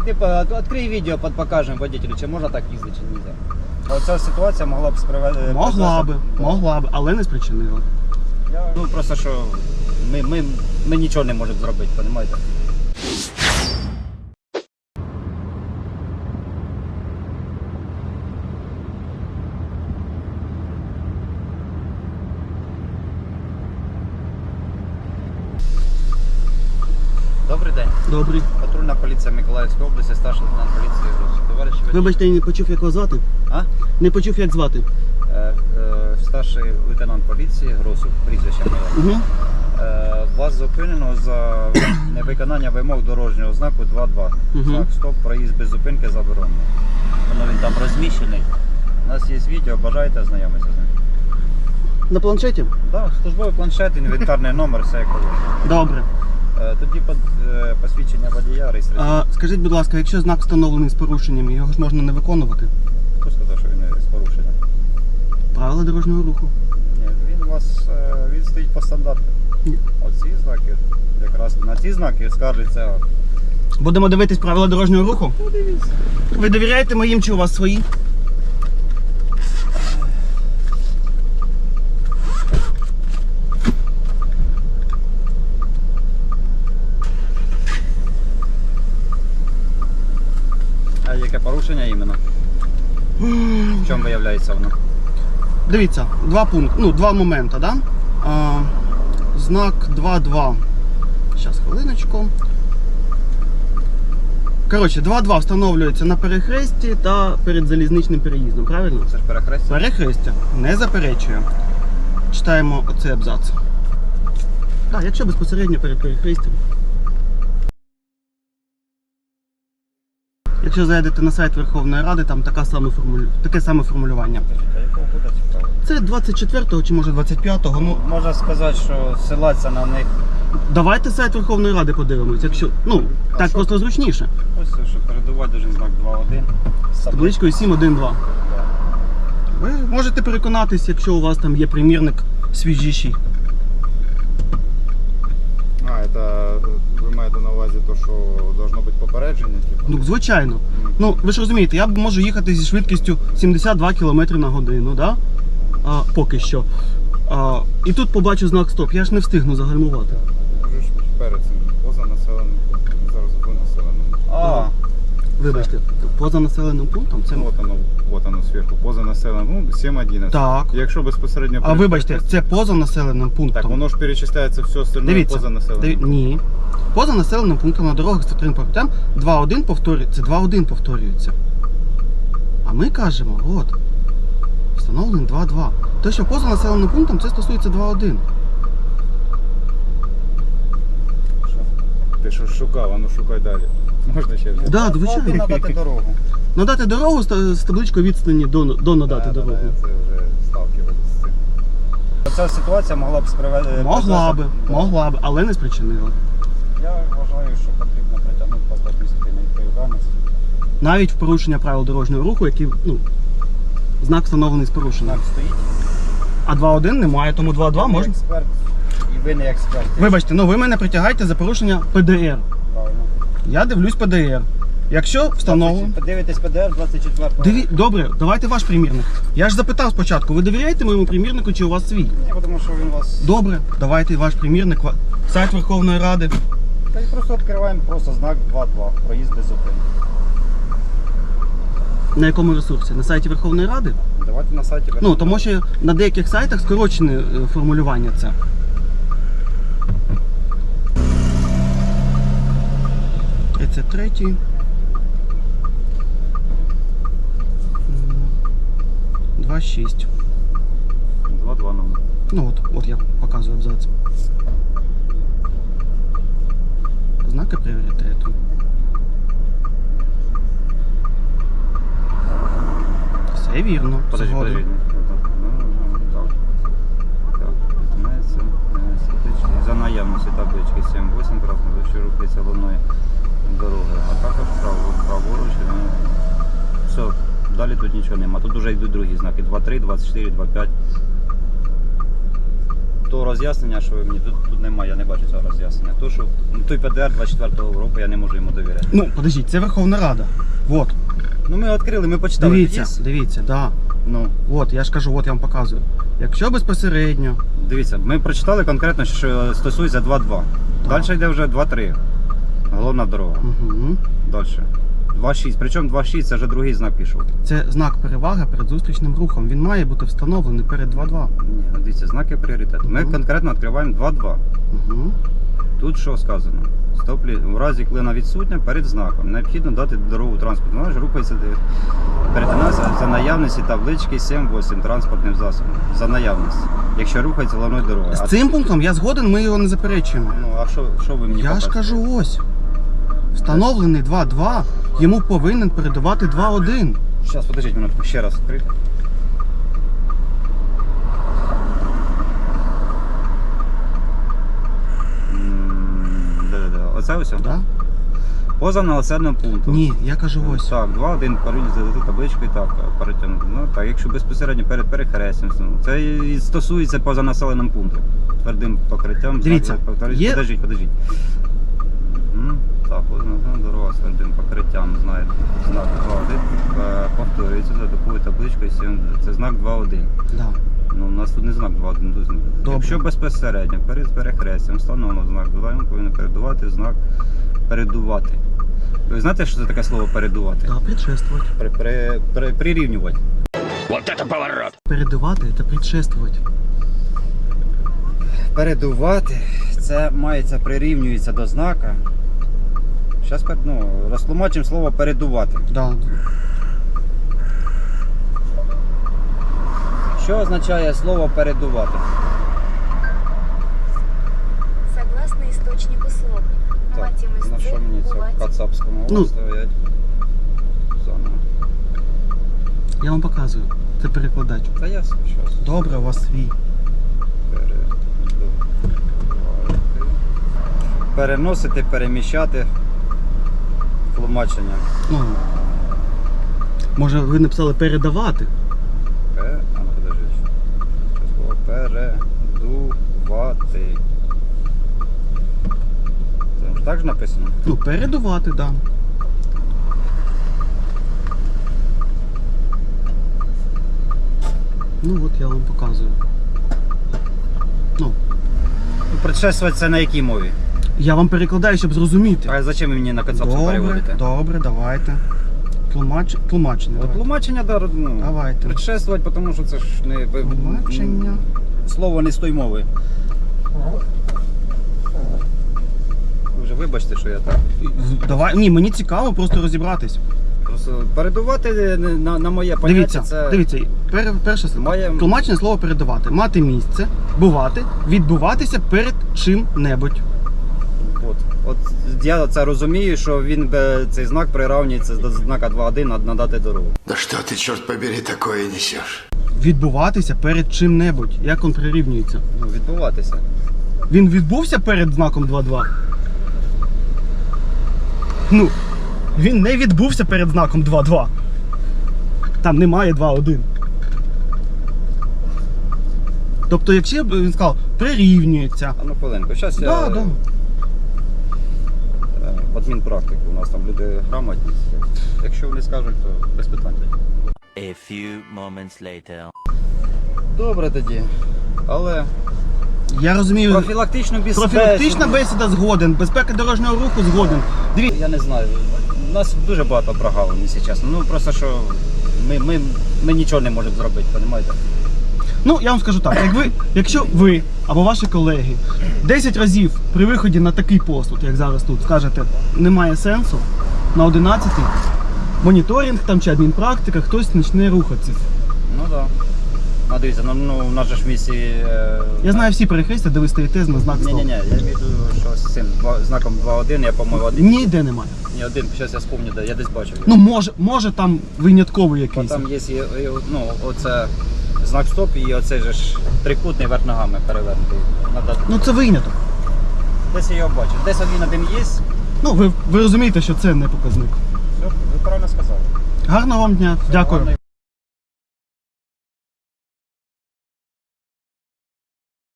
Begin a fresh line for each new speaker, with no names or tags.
Типа, відкрий відео, покажемо водителю, чи можна так їздити, чи не можна. Оця ситуація могла б спривести...
Могла б, але не спричинила.
Ну просто що ми нічого не можемо зробити, розумієте? Добрий день.
Добрий.
Патрульна поліція Миколаївської області, старший лейтенант поліції Гросів. Товариш водій.
Вибачте, я не почув, як вас звати.
А?
Не почув, як звати.
Старший лейтенант поліції Гросів, прізвище моє.
Угу.
Вас зупинено за невиконання вимог дорожнього знаку 2.2. Знак стоп, проїзд без зупинки заборонено. Воно він там розміщений. У нас є відео, бажаєте ознайомитися з ним?
На планшеті?
Так, службовий планшет, інвентарний номер, все як положено.
Добре.
Тоді посвідчення водія, реєстраційне.
Скажіть, будь ласка, якщо знак встановлений з порушенням, його ж можна не виконувати?
Хто сказав, що він з порушенням?
Правила дорожнього руху.
Ні, він стоїть по стандарту.
Ні.
Оці знаки, якраз на ці знаки скаржиться.
Будемо дивитись правила дорожнього руху?
Ну, дивіться.
Ви довіряєте моїм чи у вас свої?
А яке порушення іменно? В чому виявляється воно?
Дивіться, два моменти, да? Знак 2.2. Зараз, хвилиночку. Коротше, 2.2 встановлюється на перехресті та перед залізничним переїздом, правильно?
Це ж перехрестя?
Перехрестя. Не заперечую. Читаємо оцей абзац. Так, якщо безпосередньо перед перехрестям. Якщо зайдете на сайт Верховної Ради, там таке саме формулювання.
А якого года цікаво?
Це 24-го чи може 25-го. Ну,
можна сказати, що ссилатися на них.
давайте сайт Верховної Ради подивимось, якщо. Так
що?
просто зручніше.
Ось це, що передувати дуже знак 2.1.
З табличкою 7.1.2. Ви можете переконатись, якщо у вас там є примірник свіжіший.
Ви маєте на увазі те, що должно бути попередження?
Ну, звичайно. Ну, ви ж розумієте, я можу їхати зі швидкістю 72 км на годину, да? Поки що. І тут побачу знак стоп, я ж не встигну загальмувати.
Вже ж перед цим, поза населеним пунктом, зараз ви населеним.
Вибачте, поза населеним пунктом це...
Вот оно зверху, поза населеним, 7.11.
Так.
Якщо безпосередньо...
Вибачте, це поза населеним пунктом.
Так, воно ж перечисляється все остальне поза населеним.
Ні. Поза населеним пунктом на дорогах з твердим покриттям 2.1 повторюється, 2.1 повторюється. А ми кажемо, от, встановлений 2.2. Те, що поза населеним пунктом, це стосується 2.1.
Ти що шукав, а ну шукай далі. Можна ще взяти?
Да, звичайно.
Надати дорогу.
Надати дорогу з табличкою відстані до надати дорогу.
Це вже сталкивались з цим.
Ця ситуація могла б спривести...
Могла б, але не спричинила.
Я вважаю, що потрібно притягнути вас до адміністративної відповідальності.
Навіть в порушення правил дорожнього руху, який, знак встановлений з порушенням.
Знак стоїть.
А 2.1 немає, тому 2.2 можна.
Експерт, і ви не експерт.
Вибачте, ви мене притягаєте за порушення ПДР.
Правильно.
Я дивлюсь ПДР. Якщо встановлено...
Подивитесь ПДР 24-го.
Добре, давайте ваш примірник. Я ж запитав спочатку, ви довіряєте моєму примірнику чи у вас свій?
Ні, тому що він вас...
Добре, давайте ваш примірник, сайт Верховної Ради.
Та й просто відкриваємо знак 2.2, проїзд без зупинки.
На якому ресурсі? На сайті Верховної Ради?
Давайте на сайті Верховної Ради.
Тому що на деяких сайтах скорочене формулювання це. Це третій. 2.6.
2.2 номер.
От я показую абзац. Знаки пріоритету. Все вірно.
Подожди. За наявності таблички 7.8 красно, рухається головною дорогою, а також праворуч. Все, далі тут нічого нема. Тут вже йдуть другі знаки. 2.3, 24, 2.5. То роз'яснення, що ви мені тут немає, я не бачу цього роз'яснення. То, що той ПДР 24-го року я не можу йому довіряти.
Ну, подождіть, це Верховна Рада. Вот.
Ну ми відкрили, ми почитали.
Дивіться, дивіться, да.
Ну,
От, я ж кажу, от я вам показую. Якщо безпосередньо,
дивіться, ми прочитали конкретно, що стосується 2.2.
Так.
Далі йде вже 2.3. Головна дорога.
угу.
Далі. 2.6. Причому 2.6 це вже другий знак пішов.
Це знак переваги перед зустрічним рухом. Він має бути встановлений перед 2.2.
Ні, дивіться, знаки пріоритету. Ми
Мгм.
конкретно відкриваємо 2.2.
Угу.
Тут що сказано? В разі клина відсутня перед знаком. Необхідно дати дорогу транспорту. Вона ж рухається перетинається за наявності таблички 7-8 транспортним засобом. За наявності. Якщо рухається головною дорогою.
З цим пунктом я згоден, ми його не заперечуємо.
Ну, а що ви мені
Я ж
показуєте?
кажу ось. Встановлений 2.2, йому повинен передавати 2.1.
Зараз, подождіть минутку, ще раз відкрити. Да-да-да. Оце ось?
Да?
Поза населеним пунктом.
Ні, я кажу ось.
Так, 2-1 перейти табличку і так перетягнути. Ну так, якщо безпосередньо перед перехрестям. Це і стосується поза населеним пунктом. Твердим покриттям.
Дивіться, є-
Подождіть. Так, ось дорога з твердим покриттям, знаєте, знак 2.1 повторюється за такою табличкою 7. Це знак 2.1.
Да.
Ну, у нас тут не знак 2.1, тут знак.
Добре.
Якщо безпосередньо перед перехрестям встановлено знак 2, він повинен передувати знак передувати. Ви знаєте, що це таке слово передувати?
Да, предшествувати.
Прирівнювати.
Передавати та предшествувати.
Передувати, це мається прирівнюється до знака. Зараз розтлумачимо слово передувати.
Да.
Що означає слово передувати?
Согласно источнику слов.
Так, на що мені це в кацапському
Ну.
стоять? Заново.
Я вам показую. Це перекладач.
Та я щас.
Добре, у вас свій.
Переносити, переміщати. Тлумачення.
Ну, може ви написали передавати?
Подожди. Це слово передувати. Це ж так ж написано?
Ну, передувати, да. Ну от я вам показую. Ну,
Предшествувати це на якій мові?
я вам перекладаю, щоб зрозуміти.
А зачем ви мені на кацапську
Добре,
переводите?
добре, давайте. Тлумачення.
От
давайте.
тлумачення,
Давайте.
предшествувати, тому що це ж не
Тлумачення.
слово не з тої мови. Ви вже вибачте, що я так.
Давай. Ні, мені цікаво просто розібратись.
Просто передувати на моє поняття
Дивіться,
це.
дивіться, перше слово.
Має-
Тлумачення слова передавати. Мати місце, бувати, відбуватися перед чим-небудь.
От я це розумію, що він цей знак прирівнюється до знака 2.1 надати дорогу.
Да что ты, черт побери, такое несешь?
Відбуватися перед чим-небудь. Як він прирівнюється?
Ну, відбуватися.
Він відбувся перед знаком 2.2? Ну, він не відбувся перед знаком 2.2. Там немає 2.1. Тобто, якщо б він сказав, прирівнюється.
А ну хвилинку, зараз
Да,
я
да.
адмінпрактику, у нас там люди грамотні. Якщо вони скажуть, то без питань.
A few moments later.
Добре тоді. Але
Я розумію, профілактична бесіда згоден, безпека дорожнього руху згоден. Дивіться,
Я не знаю. У нас дуже багато прогалин, якщо чесно. Ну просто що ми нічого не можемо зробити, розумієте?
ну я вам скажу так, якщо ви або ваші колеги 10 разів при виході на такий пост, от як зараз тут, скажете, немає сенсу, на 11-й моніторинг там чи адмінпрактика, хтось почне рухатися.
Ну так. Да. А дивіться, у нас же ж в місті.
Я знаю всі перехрестя, де ви стоїте на знак стоп.
Ні, я маю в виду, що з цим знаком 2.1, я по-моєму
Ніде немає.
один, зараз я спомню, де я десь бачив.
Ну може там винятковий
Бо
якийсь.
там є оце знак стоп і оцей же ж трикутний верх ногами перевернутий.
Ну це виняток.
Десь я його бачив. Десь один є.
Ну ви розумієте, що це не показник.
Все, ви правильно сказали.
Гарного вам дня. Дякую.
Гарно.